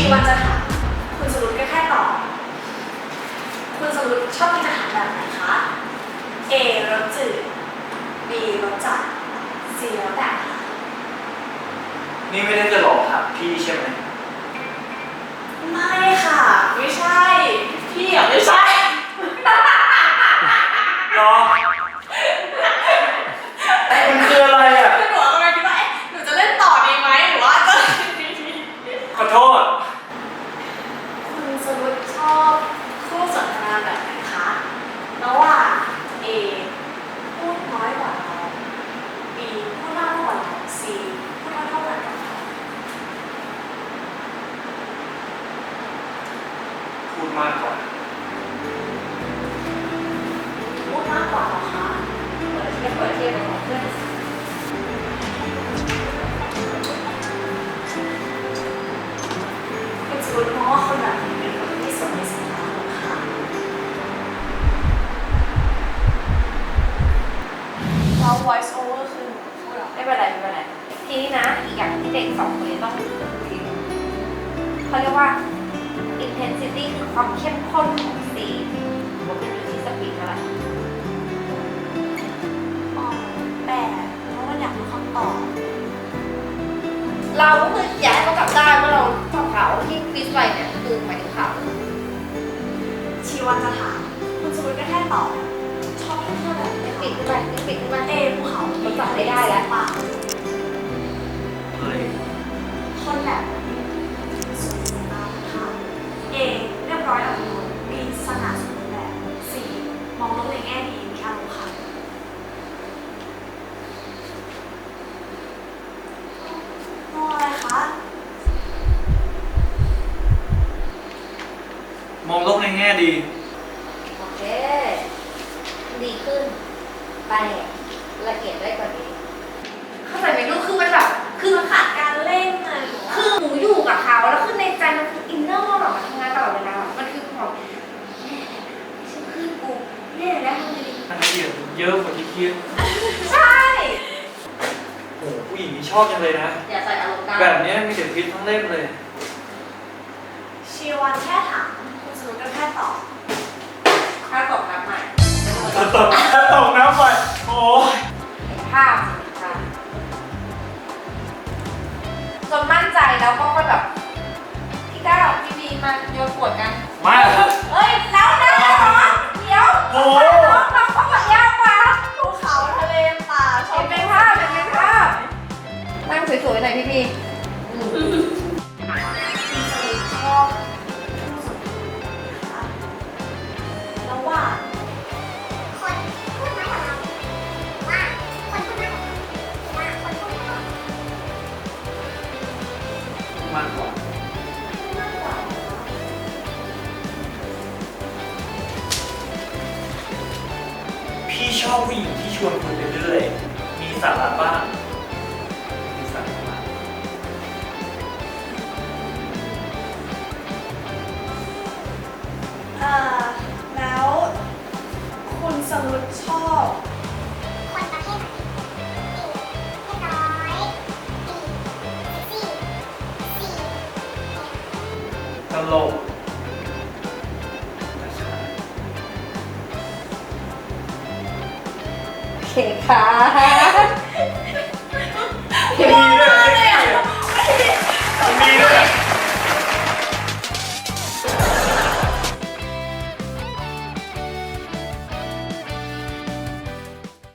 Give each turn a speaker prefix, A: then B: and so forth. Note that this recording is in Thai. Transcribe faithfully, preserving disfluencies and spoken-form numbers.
A: วันจะถามคุณสรุปก็แค่ตอบคุณสรุปชอบกินอาหารแบบไหนคะ A รสจืด B รสจัด C แล้วแต่
B: นี่ไม่ได้จะหลอกถามพี่ใช่ไหม
A: ไม่ค่ะไม่ใช่พี่อ่ะไม่ใช่
B: หรอมันคืออะไรอ่ะ
A: หนูกำลังคิดว่าหนูจะเล่นต่อดีไหมหรือว่าจะ
B: ขอโทษ
A: คุณสรุปชอบคู่สนทนาแบบไหนคะระหว่าง A พูดน้อยกว่าเรา B พูดมากกว่าเรา C พูดเท่ากันกับเรา
B: พูดมากกว่า
A: พูดมากกว่าเหรอคะเปิดเทียบเปิดเทียบกับของเพื่อนคุณสรุปมองว่าคนแบบนี้เป็นคนที่สนในสายตาของค่ะเรา voice over คือหนูพูดหรอ
C: ไม่เป็นไรไม่เป็นไรทีนี้นะอีกอย่างที่เด็กสองคนนี้ต้องดูเขาเรียกว่า intensity คือความเข้มข้นของซีนมันเป็นอยู่ที่สปีดเท่าไหร่
A: อ๋อแปดเพราะว่าอยากรู้คำตอบ
C: เราก็คืออยากให้เขากลับได้ว่าเราตอบเขาที่ควิสไปเนี่ยคือหมายถึงเขา
A: ชีวันจะถามคุณสรุปก็แค่ตอบชอบเที่ยวแบบ
C: ปิดขึ้นไปปิดขึ้นไป
A: เอภูเขา
C: มันจับไม่ได้แล้ว
A: ป่า
B: เฮ้ย
A: คนแบบสวยสตาร์ค่ะเอเรียบร้อยอ่ะมีสง่าสมบูรณ์แบบสี่มองโลกในแง่ดีมีอารมณ์ค่ะมองอะไรคะ
B: มองโลกในแง่ดี
C: โอเคดีขึ้นไปละเอียดได้กว่านี้เข้าใจไหมลูกคือมันแบบคือมันขาดการเล่นไงคือหนูอยู่กับเขาแล้วคือในใจมันคืออินเนอร์แบบมันทำงานตลอดเวลามันคือแบบฉันคือกูเนี่ยแล้วทำไงดี
B: รายละเอียดเยอะกว่าที่คิด
C: ใช่
B: โอ้ผู้หญิงนี่ชอบจังเลยนะ
C: อย่าใส่อารมณ์ได้
B: แบบนี้มีแต่พิษทั้งเล่มเลย
A: ชีวันแค่ถามคุณสรุปก็แค่ตอบ
C: ถ้าตกน้ำใหม่
B: ถ้าตกถ้าตกน้ำไปโอ้ย
C: ภาพค่ะจนมั่นใจแล้วก็ค่อยแบบพี่ก้าวพี่บีมาโยนขวดกัน
B: มา
C: เฮ้ยแล้วนะเดี๋ยว
B: โอ้
C: น้องน้องเขาแบบยากกว่า
A: ภูเขาทะเลป่าชม
C: เป็นภาพเป็นภาพนั่งสวยๆหน่อยพี่บี
A: ชอบผู้สนทนาแล้วว่า
D: คนพูดน้อยกว่าเราว่าคนพูดมากกว่าเราว่าคนพูดน้อยกว่า
B: มากกว่า
A: มากกว่า
B: พี่ชอบผู้หญิงที่ชวนคุยไปเรื่อยมีสาระบ้างมีสาระบ้าง
A: เอ่อแล้วคุณสรุปชอบ
D: คนประเภทไหนสี่เรียบร้อยสี่สี่สี่
B: ตลก
C: โอเคค่ะ